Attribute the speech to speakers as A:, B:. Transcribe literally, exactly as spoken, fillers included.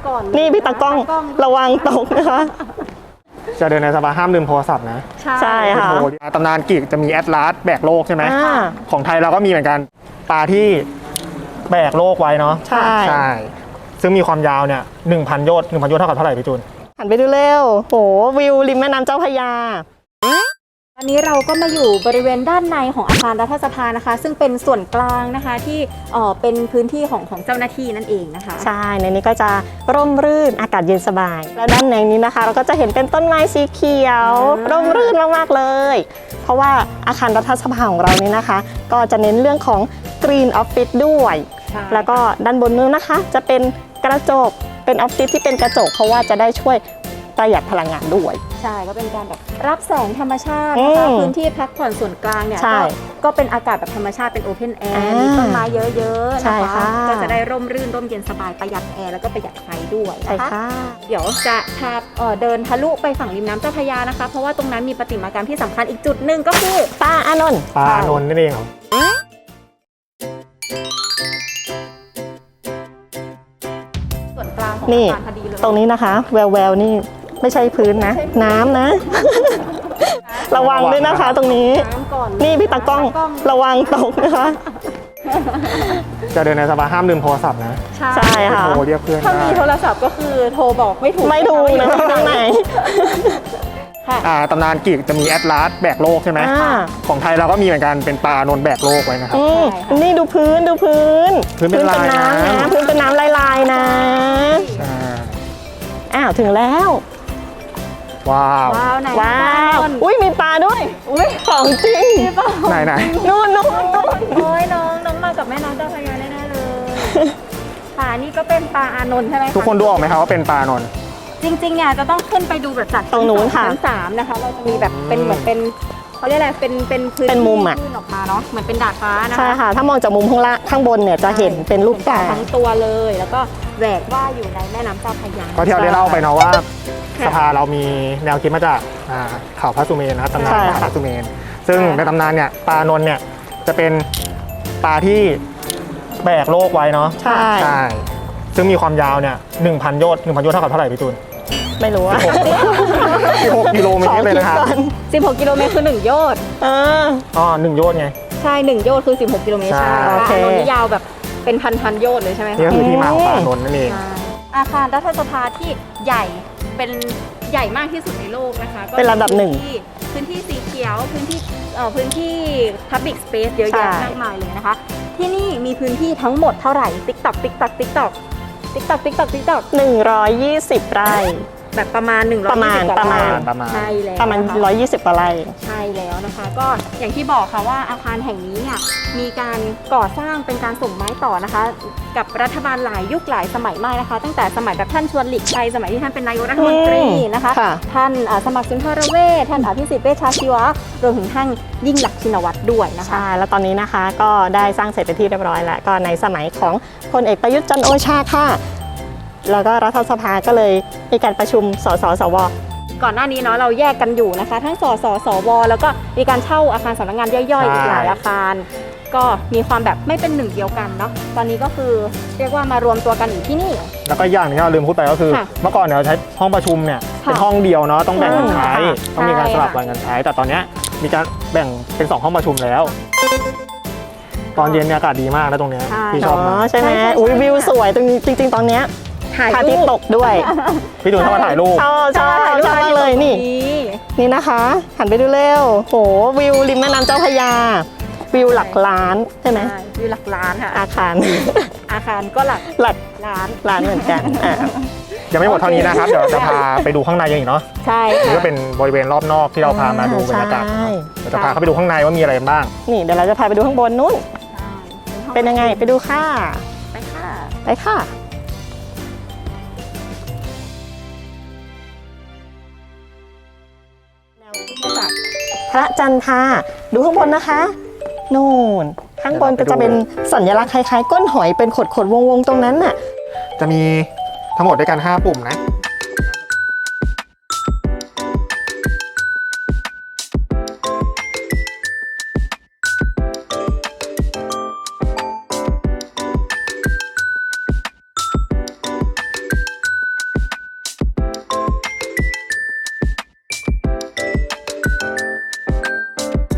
A: ก่อน
B: นี่พี่ตากล้องระวังตกนะคะ
C: จะเดินในสภาห้ามลืมโทรศัพท์นะ
B: ใช่ค่ะ
C: ตำนานกิกจะมีแอตลาสแบกโลกใช่ไหมของไทยเราก็มีเหมือนกันปลาที่แบกโลกไว้เนาะ
B: ใช่
C: ใช่ซึ่งมีความยาวเนี่ยหนึ่งพันโยชน์หนึ่งพันโยชน์เท่ากับเท่าไหร่พี่จูน
B: หันไปดูเร็วโหวิวริมแม่น้ำเจ้าพระยา
A: ตอนนี้เราก็มาอยู่บริเวณด้านในของอาคารรัฐสภานะคะซึ่งเป็นส่วนกลางนะคะที่เอ่อเป็นพื้นที่ของของเจ้าหน้าที่นั่นเองนะคะ
B: ใช่ในนี้ก็จะร่มรื่นอากาศเย็นสบายแล้วด้านในนี้นะคะเราก็จะเห็นเป็นต้นไม้สีเขียวร่มรื่นมากๆเลยเพราะว่าอาคารรัฐสภาของเรานี้นะคะก็จะเน้นเรื่องของ Green Office ด้วยแล้วก็ด้านบนนู้นนะคะจะเป็นกระจกเป็นออฟฟิศที่เป็นกระจกเพราะว่าจะได้ช่วยประหยัดพลังงานด้วย
A: ใช่ก็เป็นการแบบรับแสงธรรมชาตินะคะพื้นที่พักผ่อนส่วนกลางเนี่ยก็ก็เป็นอากาศแบบธรรมชาติเป็นโอเพนแอร์มีต้นไม้เยอะๆนะคะก็จะได้ร่มรื่นร่มเย็นสบายประหยัดแอร์แล้วก็ประหยัดไฟด้วยนะคะเดี๋ยวจะพาเดินทะลุไปฝั่งริมน้ำเจ้าพระยานะคะเพราะว่าตรงนั้นมีประติมากรรมที่สำคัญอีกจุดหนึ่งก็คือ
B: ปลาอานนท์
C: ปลาอานนท์นั่นเองเหรอ
A: ส่วนกลางของ
B: นี่
A: อาคารพอดีเลย
B: ตรงนี้นะคะแววแววนี่ไม่ใช่พื้นนะน้ำนะระวังด้วยนะคะตรงนี้นี่พี่ตากล้องระวังตกนะคะ
C: จะเดินในสภาห้ามลืมโทรศัพท์นะ
B: ใช่ค่ะ
C: โทรเรียกเพื่อน
A: ถ้ามีโทรศัพท์ก็คือโทรบอกไม่ถูก
B: ไม่ถูกนะตรงไหน
C: ตำนานกิกจะมีแอตลาสแบกโลกใช่ไหมของไทยเราก็มีเหมือนกันเป็นปลาโนนแบกโลกไว้นะครับ
B: นี่ดูพื้นดูพื้น
C: พื้นเป็นน้ำ
B: นะพื้นเป็นน้ำลายๆนะอ้าวถึงแล้ว
C: ว้าว
B: ว้าวอุ้ยมีปลาด้วยอุ้ยของจริง
C: ไหนไหน
B: นู่นนู่น
A: โอ้ยน้องน้องมากับแม่น้องเจ้าพระยาแน่ๆเลยปลานี่ก็เป็นปลาอานนท์ใช่ไหม
C: ทุกคนดูออกไหมครับว่าเป็นปลาอานนท์
A: จริงๆเนี่ยจะต้องขึ้นไปดูแบบจาก
B: ตรงนู้นค่ะ
A: ชั้นสามนะคะเราจะมีแบบเป็นเหมือนเป็นเขาเรียกอะไรเป็นเป็นพื้น
B: เป็นมุมอ่ะ
A: ออกมาเนาะเหมือนเป็นดาดฟ้านะคะ
B: ใช่ค่ะถ้ามองจากมุมข้างล่างข้างบนเนี่ยจะเห็นเป็นรูปปลา
A: ทั้งตัวเลยแล้วก็แหวกว่ายอยู่ในแม่น้ำเจ้าพระยา
C: ก็ที่เราได้เล่าไปเนาะว่าสภาเรามีแนวคิดมาจากเขาพระสุเมนนะครับตำนานพระสุเมนซึ่งในตำนานเนี่ยปลาอนนท์เนี่ยจะเป็นปลาที่แบกโลกไว้เนาะ
B: ใช่
C: ใช่ซึ่งมีความยาวเนี่ยหนึ่งพันโยชน์หนึ่งพันโยชน์เท่ากับเท่าไหร่พี่ตูน
B: ไม่รู้ว่า
C: สิบหกกิโลเมตรเลยนะครับ
A: สิบหกกิโลเมตรคือหนึ่งโยชน์
C: อ๋อหนึ่งโยชน์ไง
A: ใช่หนึ่งโยชน์คือสิบหกกิโลเมตรใช่ปลาอนนท์นี่ยาวแบบเป็นพันพันโยชน์เลยใช่ไหมคะ
C: นี่คือที่มาของปลาอนนท์นั่นเอง
A: อาคารรัฐสภาที่ใหญ่เป็นใหญ่มากที่สุดในโลกนะคะ
B: เป็นระดับหนึ่ง
A: พื้นที่สีเขียวพื้นที่เอ่อพื้นที่ Public Space เยอะแยะมากมายเลยนะคะที่นี่มีพื้นที่ทั้งหมดเท่าไหร่ TikTok TikTok TikTok TikTok TikTok TikTok
B: หนึ่งร้อยยี่สิบไร่
A: แบบประมาณหนึ่งร้อย
B: ประมาณประมาณ
A: ใช่แล้ว
B: ประมาณหนึ่งร้อยยี่สิบกว่าไร่
A: ใช่แล้วนะคะก็อย่างที่บอกค่ะว่าอาคารแห่งนี้เนี่ยมีการก่อสร้างเป็นการส่งไม้ต่อนะคะกับรัฐบาลหลายยุคหลายสมัยมากนะคะตั้งแต่สมัยแบบท่านชวนหลีกภัยสมัยที่ท่านเป็นนายกรัฐมนตรีนะคะท่านสมัครสุนทรเวชท่านอภิสิทธิ์เวชชาชีวะรวมถึงท่านยิ่งลักษณ์ชินวัตรด้วยนะคะ
B: ใช่แล้วตอนนี้นะคะก็ได้สร้างเสร็จเป็นที่เรียบร้อยแล้วก็ในสมัยของพลเอกประยุทธ์จันทร์โอชาค่ะแล้วก็รัฐสภาก็เลยมีการประชุมสสสว
A: ก่อนหน้านี้เนาะเราแยกกันอยู่นะคะทั้งสสสวแล้วก็มีการเช่าอาคารสำนักงานย่อยๆอีกหลายอาคารก็มีความแบบไม่เป็นหนึ่งเดียวกันเนาะตอนนี้ก็คือเรียกว่ามารวมตัวกันอยู่ที่นี่
C: แล้วก็อย่างนึงที่เราลืมพูดไปก็คือเมื่อก่อนเนี่ยเราใช้ห้องประชุมเนี่ยเป็นห้องเดียวเนาะต้องแบ่งกันใช้ต้องมีการสลับกันใช้แต่ตอนนี้มีการแบ่งเป็นสองห้องประชุมแล้วตอนเย็นเนี่ยอากาศดีมากนะตรงนี้พี่ชอบมาก
B: ใช่ไหมอุ้ยวิวสวยตรงจริงๆตอนนี้พระอาทิตย์ตกด้วย
C: พี่ตูนเข้ามาถ่ายรูป
B: ชอบชอบชอบมากเลยนี่นี่นะคะหันไปดูเร็วโหวิวริมแม่น้ำเจ้าพระยาวิวหลักล้านใช่ไหม
A: วิวหลักล้านค่ะ
B: อาคาร
A: อาคารก็หลัก
B: หลัก
A: ล้าน
B: ล้านเหมือนกัน
C: ยังไม่หมดเท่านี้นะครับเดี๋ยวจะพาไปดูข้างในอีกเนาะ
A: ใช่
C: นี่ก็เป็นบริเวณรอบนอกที่เราพามาดูบรรยากาศเดี๋ยวจะพาเขาไปดูข้างในว่ามีอะไรบ้าง
B: นี่เดี๋ยวเราจะพาไปดูข้างบนนู้นเป็นยังไงไปดูค่ะ
A: ไปค่ะ
B: ไปค่ะพระจันทราดูข้างบนนะคะนู่นข้างบนก็จะเป็นสัญลักษณ์คล้ายๆก้นหอยเป็นขดๆวงๆตรงนั้นน่ะ
C: จะมีทั้งหมดด้วยกันห้าปุ่มนะ